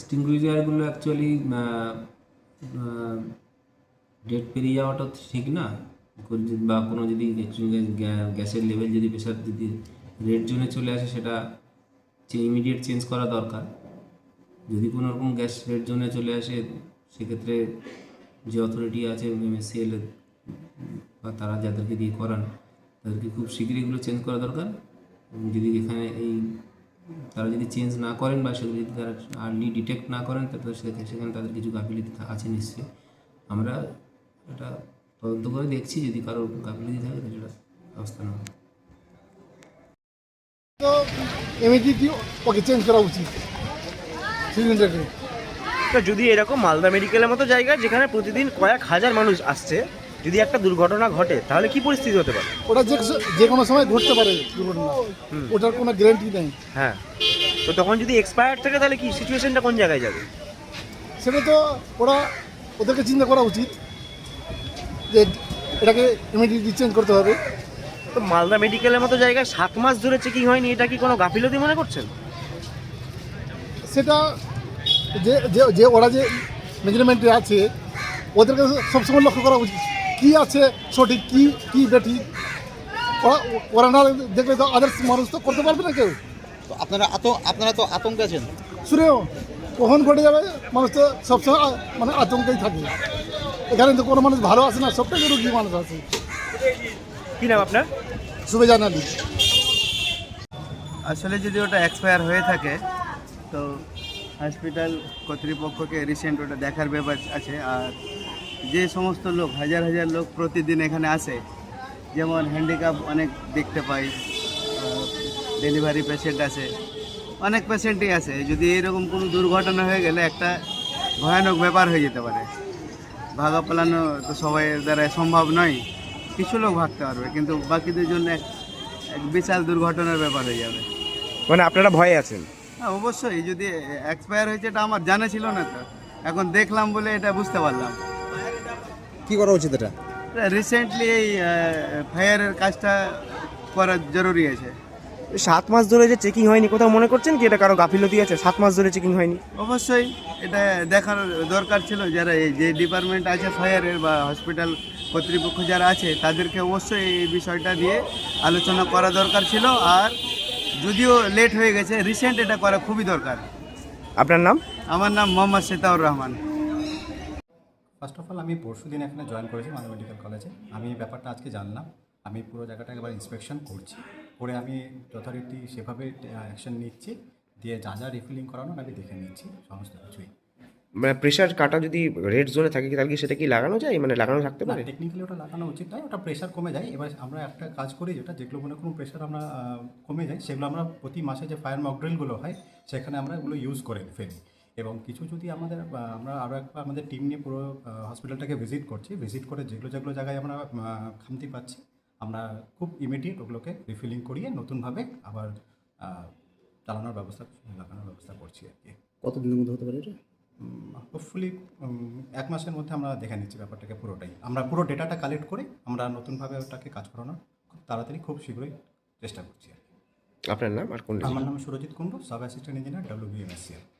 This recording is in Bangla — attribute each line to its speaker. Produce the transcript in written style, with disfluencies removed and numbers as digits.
Speaker 1: এক্সটিংগুইজারগুলো অ্যাকচুয়ালি ডেট পেরিয়ে যাওয়াটা ঠিক না, বা কোনো যদি গ্যাসের লেভেল যদি প্রেশার যদি রেড জোনে চলে আসে সেটা ইমিডিয়েট চেঞ্জ করা দরকার। যদি কোনো রকম গ্যাস রেড জোনে চলে আসে সেক্ষেত্রে যে অথরিটি আছে MSCL বা তারা যাদেরকে দিয়ে করান তাদেরকে খুব শীঘ্রই এগুলো চেঞ্জ করা দরকার। এবং যদি এখানে তারা যদি চেঞ্জ না করেন বা সেগুলো যদি তারা আর্লি ডিটেক্ট না করেন তাহলে সেখানে তাদের কিছু গাফিলতি আছে নিশ্চয়ই। আমরা এটা তদন্ত করে দেখছি, যদি কারোর গাফিলতি থাকে তাহলে সেটা ব্যবস্থা নেওয়া হবে।
Speaker 2: তো ইমিডিয়েটলি ওকে চেঞ্জ করা উচিত সিলিন্ডারকে।
Speaker 3: তো যদি এরকম মালদা মেডিকেলের মতো জায়গা যেখানে প্রতিদিন কয়েক হাজার মানুষ আসছে, যদি একটা দুর্ঘটনা ঘটে তাহলে কি পরিস্থিতি হতে পারে?
Speaker 2: ওটা যে কোনো সময় ঘটতে পারে দুর্ঘটনা, ওটার কোনো গ্যারান্টি নেই।
Speaker 3: হ্যাঁ, তো তখন যদি এক্সপায়ার থাকে তাহলে কি সিচুয়েশনটা কোন জায়গায় যাবে?
Speaker 2: সেটা তো ওদেরকে চিন্তা করা উচিত যে এটাকে ইমিডিয়েটলি চেঞ্জ করতে হবে।
Speaker 3: তো মালদা মেডিকেলের মতো জায়গায় 7 মাস ধরে চেকিং হয়নি, এটা কি কোনো গাফিলতি মনে করছেন?
Speaker 2: সেটা যে ওরা যে মেজারমেন্টে আছে ওদেরকে সবসময় লক্ষ্য করা উচিত কী আছে সঠিক কী বেঠিক। ওরা না দেখলে তো আদার্স মানুষ তো করতে পারবে না কেউ।
Speaker 4: তো আপনারা তো আতঙ্কে আছেন।
Speaker 2: শুনেও কখন ঘটে যাবে মানুষ তো সবসময় মানে আতঙ্কেই থাকে। এখানে তো কোনো মানুষ ভালো আছে না, সবটাই রুগী মানুষ আছে।
Speaker 3: কি নাম আপনার?
Speaker 2: সুবেজান আলী।
Speaker 5: আসলে যদি ওটা এক্সপায়ার হয়ে থাকে তো হসপিটাল কর্তৃপক্ষকে রিসেন্ট ওটা দেখার ব্যাপার আছে। আর যে সমস্ত লোক হাজার হাজার লোক প্রতিদিন এখানে আসে, যেমন হ্যান্ডিক্যাপ অনেক দেখতে পাই, ডেলিভারি পেশেন্ট আছে, অনেক পেশেন্টই আছে। যদি এরকম কোনো দুর্ঘটনা হয়ে গেলে একটা ভয়ানক ব্যাপার হয়ে যেতে পারে। ভাগা পালানো তো সবাইয়ের দ্বারা সম্ভব নয়, কিছু লোক ভাগতে পারবে কিন্তু বাকিদের জন্য এক বিশাল দুর্ঘটনার ব্যাপার হয়ে যাবে।
Speaker 3: মানে আপনারা ভয়ে আছেন?
Speaker 5: হ্যাঁ অবশ্যই, যদি এক্সপায়ার হয়েছে এটা আমার জানা ছিল না, তো এখন দেখলাম বলে এটা বুঝতে পারলাম।
Speaker 4: কি করা উচিত এটা?
Speaker 5: রিসেন্টলি এই ফায়ারের কাজটা করা জরুরি আছে।
Speaker 3: 7 মাস ধরে যে চেকিং হয়নি, কোথাও মনে করছেন কি এটা কারো গাফিলতি আছে? 7 মাস ধরে চেকিং হয়নি,
Speaker 5: অবশ্যই এটা দেখার দরকার ছিল। যারা এই যে ডিপার্টমেন্ট আছে ফায়ারের বা হসপিটাল কর্তৃপক্ষ যারা আছে তাদেরকে অবশ্যই এই বিষয়টা নিয়ে আলোচনা করা দরকার ছিল। আর যদিও লেট হয়ে গেছে, রিসেন্ট এটা করা খুবই দরকার।
Speaker 3: আপনার নাম?
Speaker 5: আমার নাম Mohammad Setaur Rahman.
Speaker 6: First of all আমি পরশু দিন এখানে জয়েন করেছি মালদা মেডিকেল কলেজে। আমি এই ব্যাপারটা আজকে জানলাম। আমি পুরো জায়গাটা একবার ইন্সপেকশন করছি, করে আমি যথারীতি সেভাবে অ্যাকশন নিচ্ছি, দিয়ে যা যা রিফিলিং করানো আমি দেখে নিচ্ছি সমস্ত কিছুই।
Speaker 3: মানে প্রেশার কাটা যদি রেড জোনে থাকে তাহলে কি সেটা কি লাগানো যায়, মানে লাগানো থাকতে পারে?
Speaker 6: টেকনিক্যালি ওটা লাগানো উচিত নয়, ওটা প্রেশার কমে যায়। এবার আমরা একটা কাজ করি, যেগুলো মনে কোনো প্রেশার আমরা কমে যায় সেগুলো আমরা প্রতি মাসে যে ফায়ার মক ড্রিলগুলো হয় সেখানে আমরা এগুলো ইউজ করে ফেলি। এবং কিছু যদি আমরা আরও একবার আমাদের টিম নিয়ে পুরো হসপিটালটাকে ভিজিট করে যেগুলো জায়গায় আমরা খামতি পাচ্ছি আমরা খুব ইমিডিয়েট ওগুলোকে রিফিলিং করিয়ে নতুনভাবে আবার লাগানোর ব্যবস্থা করছি আর কি।
Speaker 4: কতদিনের মধ্যে হতে পারে এটা?
Speaker 6: হোপফুলি 1 মাসের মধ্যে আমরা দেখে নিচ্ছি ব্যাপারটাকে পুরোটাই। আমরা পুরো ডেটাটা কালেক্ট করে আমরা নতুনভাবে ওটাকে কাজ করানোর খুব তাড়াতাড়ি খুব শীঘ্রই চেষ্টা করছি আর কি।
Speaker 3: আপনার নাম আর কোন?
Speaker 6: আমার নাম Surajit Kundu, sub assistant engineer WBMSCL।